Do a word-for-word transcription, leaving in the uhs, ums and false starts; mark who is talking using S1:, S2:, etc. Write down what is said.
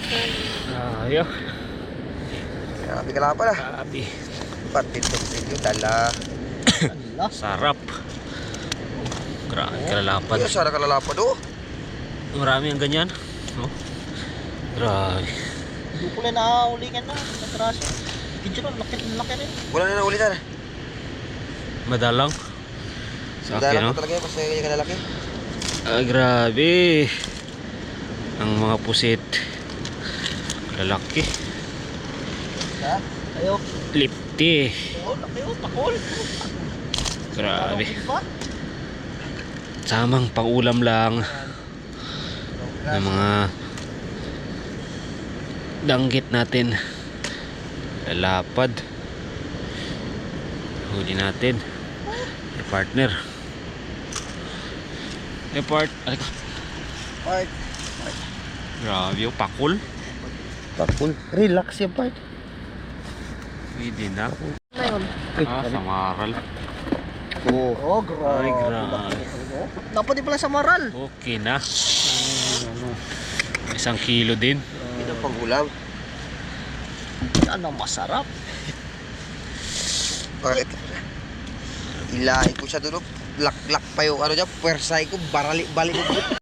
S1: Ayo.
S2: Grabe ka lang pala.
S1: Grabe.
S2: Patitong video, dala.
S1: Sarap. Grabe kalalapad.
S2: Ay, sarap kalalapad oh.
S1: Marami ang ganyan. Oh. Grabe.
S3: Hindi ko lang nakaulingan na. Natraso. Video na, laki laki rin.
S2: Wala na naulitan.
S1: Madalang. Sa akin,
S2: Dala
S1: no?
S2: ko talaga yun, basta ganyan kalalaki.
S1: Ah, grabe. Ang mga pusit. Lalaki.
S3: Ha? Ayo.
S1: Lipti.
S3: Oh, laki oh, pakol.
S1: Grabe.
S3: Ano ba?
S1: Samang pangulam lang ng mga danggit natin. Lalapad. Huli natin. Eh, partner. Eh, part. Alika.
S2: Part.
S1: Grabe yung pakul.
S2: Pakul. Relax yan, part.
S1: Pwede na.
S3: Ano yun?
S1: Ah, samaral.
S2: Oo.
S3: Oh, grabe.
S1: Ay, grabe.
S3: Dapat din pala sa maral.
S1: Okay na. Isang kilo din.
S2: Ito pang ulam.
S3: Yan ang masarap.
S2: Bakit? Ilahin ko siya doon. Lak-lak pa yung ano dyan. Pwersay ko. Barali-balik ko.